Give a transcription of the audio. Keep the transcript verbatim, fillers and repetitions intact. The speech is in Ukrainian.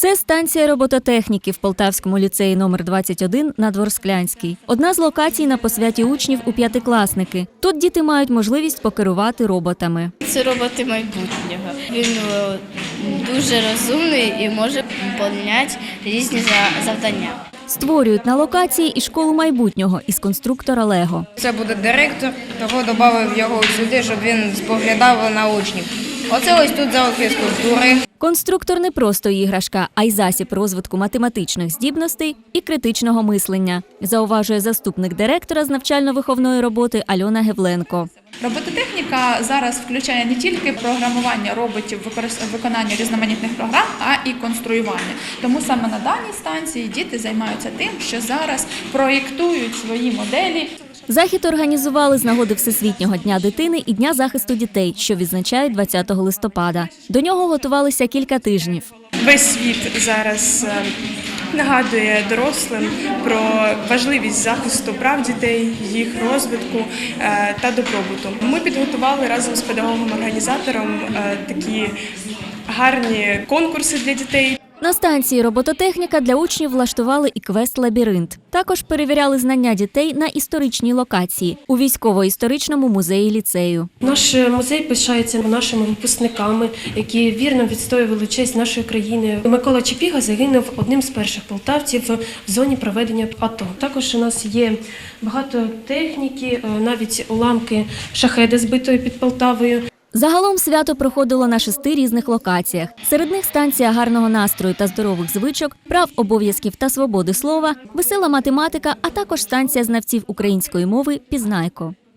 Це станція робототехніки в Полтавському ліцеї номер двадцять один на Дворсклянській. Одна з локацій на посвяті учнів у п'ятикласники. Тут діти мають можливість покерувати роботами. Це роботи майбутнього. Він е, дуже розумний і може виконувати різні за- завдання. Створюють на локації і школу майбутнього із конструктора Лего. Це буде директор, того додав його сюди, щоб він споглядав на учнів. Оце ось тут зал фізкультури. Конструктор не просто іграшка, а й засіб розвитку математичних здібностей і критичного мислення, зауважує заступник директора з навчально-виховної роботи Альона Гевленко. Робототехніка зараз включає не тільки програмування роботів, використ- виконання різноманітних програм, а і конструювання. Тому саме на даній станції діти займаються тим, що зараз проєктують свої моделі. Захід організували з нагоди Всесвітнього дня дитини і Дня захисту дітей, що відзначають двадцятого листопада. До нього готувалися кілька тижнів. Весь світ зараз е, нагадує дорослим про важливість захисту прав дітей, їх розвитку е, та добробуту. Ми підготували разом з педагогом-організатором е, такі гарні конкурси для дітей. На станції робототехніка для учнів влаштували і квест-лабіринт. Також перевіряли знання дітей на історичній локації у військово-історичному музеї ліцею. Наш музей пишається нашими випускниками, які вірно відстоювали честь нашої країни. Микола Чепіга загинув одним з перших полтавців в зоні проведення АТО. Також у нас є багато техніки, навіть уламки шахеди, збитої під Полтавою. Загалом свято проходило на шести різних локаціях. Серед них станція гарного настрою та здорових звичок, прав, обов'язків та свободи слова, весела математика, а також станція знавців української мови «Пізнайко».